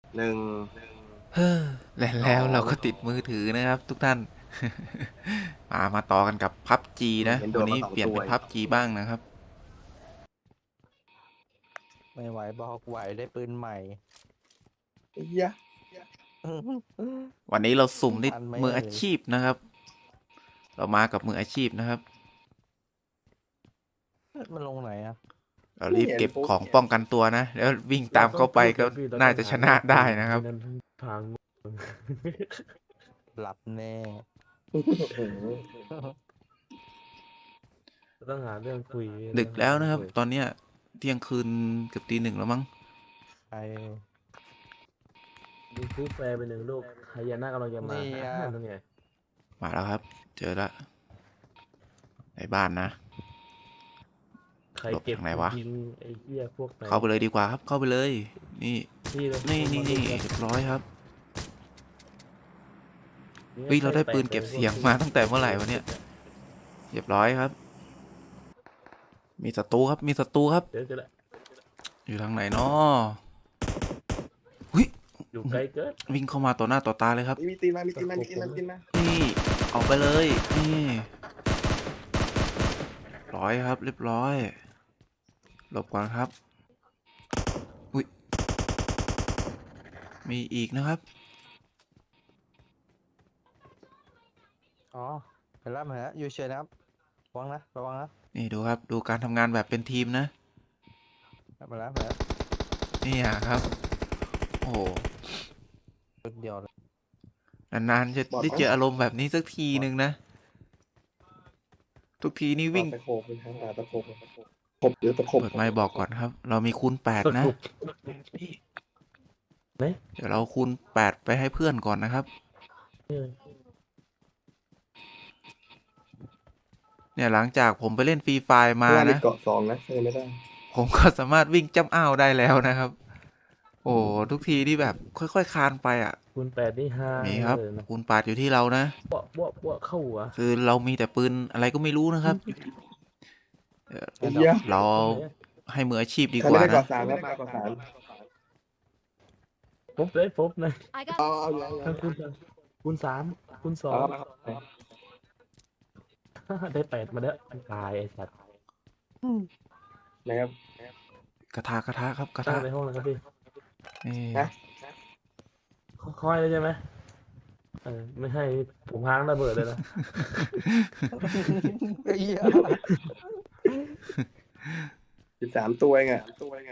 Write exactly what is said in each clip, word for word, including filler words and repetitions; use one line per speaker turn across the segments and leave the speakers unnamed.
หนึ่ง
เฮ้อและ
ส
แล้ว
อง
เราก็ติดมือถือนะครับทุกท่าน มามาต่อกันกับพับจี
อืม
นะ
เห็นโด
วันนี้
นมาสองตัว
เปลี่ยนเป็นพับจีบ้างนะครับ
ไม่ไหวบอกไหวได้ปืนใหม่
ไอ้เหี้ย
วันนี้เราสุ่มได้
ทันไหม
มืออา
เอ่ย
ชีพนะครับ เรามากับมืออาชีพนะครับ
มันลงไหนอ่ะ
เรา
ไม่
รีบ
เห็นปุ๊บ
เก็บของป้องกันตัวนะแล้ววิ่ง
เรา
ตาม
ต้อง
เข้าไป
พูด
ก็
กันพี่เรา
น่า
ต้องหา
จะชนะ
เรื่องคุย
ได้นะครับ
ไม่นั้นพัง
หลับแน่
เราต้องหาเรื่องคุย
ดึกแล้วนะครับ
เราต้องหาเรื่องคุย
ตอนเนี้ยเที่ยงคืนเกือบตีหนึ่งแล้วมั้ง
ไอ
มีซื้อแฟร์ไปหนึ่งลูกหายนะกำลังจะมา
นี่อ่ะ
นั่นไง
มาแล้วครับ เจอแล้วในบ้านนะ
ใคร
หลบ
เก็บ
ทางไหนวะ
ยิงไอ้เหี้ยพวกไหน
เข้าไปเลยดีกว่าครับ เข้าไปเลย นี่
พี่เลย
นี่นี่นี่
มา
เรียบร้อยครับ
ดู
เฮ้ยเราได้ปืน
แต
เก็บ
ล
เสียงมาตั้งแต่เมื่อไหร่วะเนี่ย เรียบร้อยครับ มีศัตรูครับ มีศัตรูครับ
เดี๋ยวจะละ
อยู่ทางไหนเนาะหุ้ย
อยู่ไกลเกิน
วิ่งเข้ามาต่อหน้าต่อตาเลยครับ
มีตีนมามีตีนมามีตีนมามีตีนมา
นี่ออกไปเลยนี่ร้อยครับ เรียบร้อยหลบก่อนครับอุ้ยมีอีกนะครับ
อ๋อเห็นแล้วเห็นแล้วอยู่เฉยนะครับระวังนะระวังนะ
นี่ดูครับ ดูการทำงานแบบเป็นทีมนะ
มาแล้วมาแล้ว
นี่อ่ะครับ โอ้โห
ปืนเดียวเลย
นานๆจะได้เจออารมณ์แบบนี้สักทีหนึ่งนะ ทุกทีนี่วิ่ง
ตะโขบเป็นทางหาตะโขบขบหรือตะขบ
เปิดไมค์บอกก่อนครับ เรามีคูณแปดนะ
ไหน
เดี๋ยวเราคูณแปดไปให้เพื่อนก่อนนะครับ เนี่ยหลังจากผมไปเล่นฟรีไฟร์มา
ว่าใน
นะ
เกาะสองนะใช่ไม่ได้
ผมก็สามารถวิ่งจ้ำอ้าวได้แล้วนะครับ โอ้ทุกทีที่แบบค่อยๆคลานไปอ่ะ
คูณแปดนี่ห้า
มีครับ
เลยนะ
คูณแปดอยู่ที่เรานะ
บวกบวกบวกเข้าหัว
คือเรามีแต่ปืนอะไรก็ไม่รู้นะครับเอ่อ
ไอ้เหี้ย
เราให้มืออาชีพดี
ใคร
ก
ไม่
ว่า
ได้เกาะ
นะ
สามครับมาเกาะสาม
ปุ๊บเลยปุ๊บเลย
I got
เอาเอาอย่าง
ทั้งคูณคูณสามคูณสอ
เอา
ง
เอา
ได้แปดมาเด้อตายไอ้สัตว์
นะครับ
กระทะกระทะครับกระ
ตั้
ทะ
งในห้องแล้วครับพี่
นี่
นะ
ค่อยๆเลยใช่ไหมเออไม่ให้ผมห้างระเบิดเลยนะ
ไอ้เหี้ย
สิบสามตัวเองอะตัวเองอะ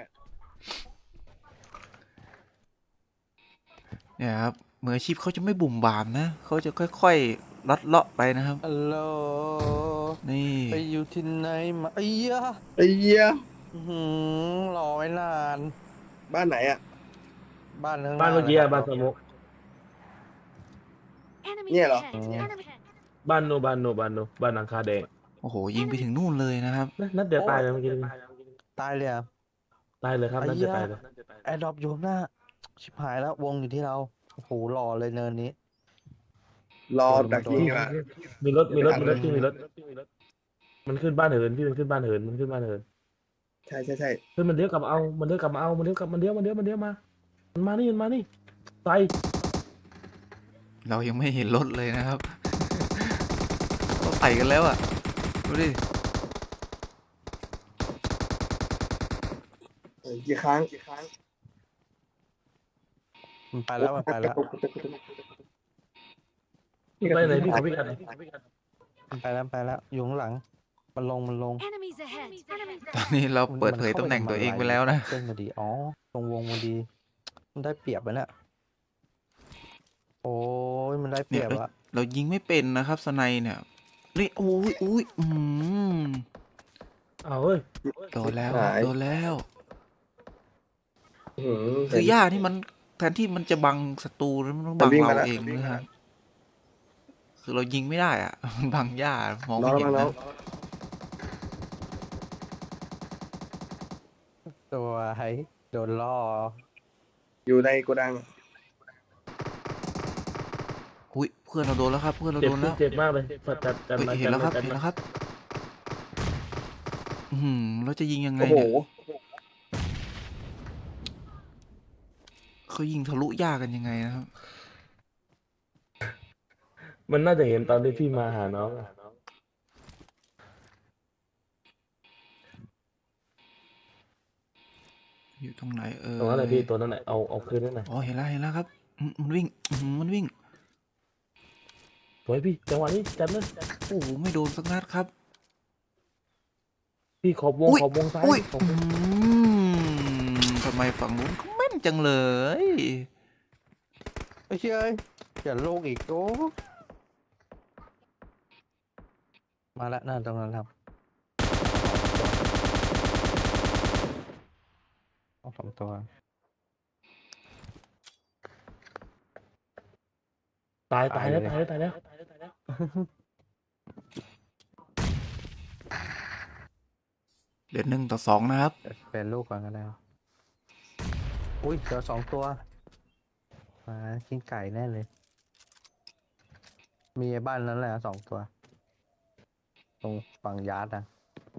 เนี่ยครับมืออาชีพเขาจะไม่บุ่มบามนะเขาจะค่อยๆลัดเลาะไปนะครับ
ฮัลโหล
นี่
ไปอยู่ที่ไหนมาไอ้เหี้ย
ไอ้เหี้ย
อื้อหือรอไว้นาน
บ้านไหนอะ
บ้านข้างห
บ้าน
น้า
เมื่อกี้
นะ
อะ
ค
บ้า
รั
นสมุก
enemies
Yeah, loh.
ahead.
Yeah.
Enemies ahead.
บ้านโนบ้านโนบ้านโนบ้านหลังคาแดง
โอ้โหยิงไปถึงนู่นเลยนะครับ
นัดนัดเดียวตายเลยเมื่อกี้
ตายเลยอ่ะ
ตายเลยครับ
ไอ้
นัด
เหี้
เดีย
ย
วตายเลย
แอร์ดรอปอยู่ข้างหน้า ชิบหายแล้ววงอยู่ที่เราโอ้โหรอเลยเนินนี้
รอดักยิงดีกว่า
มีรถมีรถมีรถที่มีรถมันขึ้นบ้านเหินพี่มันขึ้นบ้านเหินมันขึ้นบ้านเหิน
ใช่ใช่ใช่
เฮ้ยมันเลี้ยวกลับมาเอามันเลี้ยวกลับมาเอามันเลี้ยวกลับมันเลี้ยวมันเลี้ยวมันเลี้ยวมามันมานี่มันมานี่ใส่
เรายังไม่เห็นรถเลยนะครับ เขาไต่กันแล้วอ่ะดูดิ
เออกี่ครั้งกี่ครั้ง
มันไปแล้วมันไปแล้ว
ไปไหนพี่ขอพี่กัน
มันไปแล้วไปแล้วอยู่ข้างหลัง มันลงมันลง
Enemies ahead. Enemies
ตอนนี้เราเปิดเผยตำแหน่งตัวเองไปแล้วนะ
เส้นมาดีอ๋อตรงวงมาดี มันได้เปรียบไปเนี่ยโอ้ยมันได้เปรียบอะ
เรายิงไม่เป็นนะครับสไนเนี่ยนี่โอ้ยอุ้ยอืม
เอาเฮ้ย
โดนแล้วครับโดนแล้ว
อื้อหือ
คือหญ้าที่มันแทนที่มันจะบังศัตรูแล้วมันต้องบัง
มันวิ่ง
เรา
มาแล้ว
เอง
มันวิ่ง
นะ
มา
ค
แล้
รับ
ว
คือเรายิงไม่ได้อ่ะ มันบังหญ้ามอง
น้อ
ไม่
ง
เห็น
น้อง
นะ
ตัวไอ้โดนล่อ
อยู่ในโกดัง
อุ้ยเพื่อนเราโดนแล้วครับ เพื่อนเรา
เจ็บ
โดนแล้ว
เจ็บมากเลยจัดจัดจัด
เฮ้ย
มา
เห็น
จัด
แล้วค
มา
รับ
จัด
เห็น
มา
แล้วครับอืมเราจะยิงยังไง
โอ้โห
เนี่ยเขเขายิงทะลุหญ้ากันยังไงนะครับ
มันน่าจะเห็นตอนที่พี่มาหาน้องอะ
อยู่ตรงไหนเออ
ตรงนั้นแหละพี่ตัวนั้นแหละเอาเอาคืนนั่นแหละ
อ๋อเห็นแล้วเห็นแล้วครับอืมมันวิ่งอืมมันวิ่ง
สวยพี่จังหวะนี้จัดเลย
โอ้โหไม่โดนสักนัดครับ
พี่ขอบวง
อุ้ย
ขอบวงซ้าย
อุ้ย
ขอบว
อื
ง
มทำไมฝั่งนู้นเขาแม่นจังเลย
ไอ้เชี่ยเอ้ยอย่าโลกอีกโอ้มาละหน้าตรงนั้นครับเอาสองตัว
ตาย
ตา
ตาย ย
เล
แล้
ย
วตายแล้วตายแล้วตายแล้วตายแล้ว
เดือนหนึ่งต่อสองนะครับ
เดี๋ยวเป็นลูกก่อนก็ได้ครับอุ้ยเจอสองตัวมากินไก่แน่เลย มีไอ้บ้านนั้นแหละสองตัว ตรงฝั่งยาร์ดอ่ะ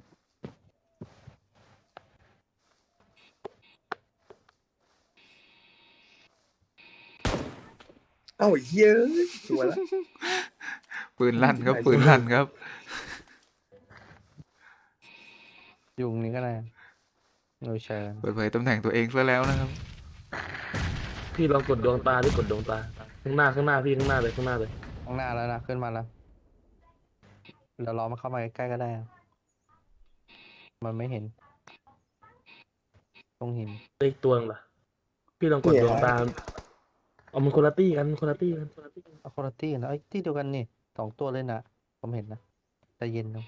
เอ้าเฮ้ยสวยละ
ปืนลั่นครับ ปืนลั่นครับ
ยุงนี้ก็ได้โนเชิญ
เปิดเผยตำแหน่งตัวเองซะแล้วนะครับ
พี่ลองกดดวงตาดิกดดวงตาข้างหน้าข้างหน้าพี่ข้างหน้าเลยข้างหน้าเลย
ข้างหน้าแล้วนะขึ้นมาแล้วเดี๋ยวรอมันเข้ามาใกล้ๆก็ได้ครับมันไม่เห็น ตรงหิน
เลขตัวนึงล่ะพี่ลองกดดวงตาเอามันคนละตี้กันคนละตี้กันคนละตี้กัน
เอาคนละที่นะไอ้ยที่เดียวกันนี่สองตัวเลยนะผมเห็นนะใจเย็นนะ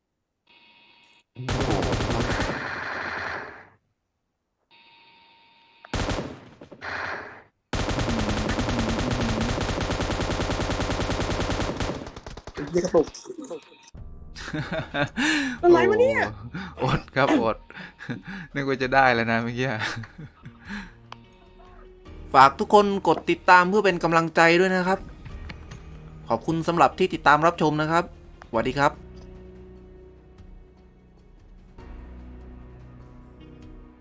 เรียกกระตุก
อะไรวะเนี่ยอดครับอด นึกว่าจะได้แล้วนะเมื่อกี้ ฝากทุกคนกดติดตามเพื่อเป็นกำลังใจด้วยนะครับ ขอบคุณสำหรับที่ติดตามรับชมนะครับสวัสดีครับ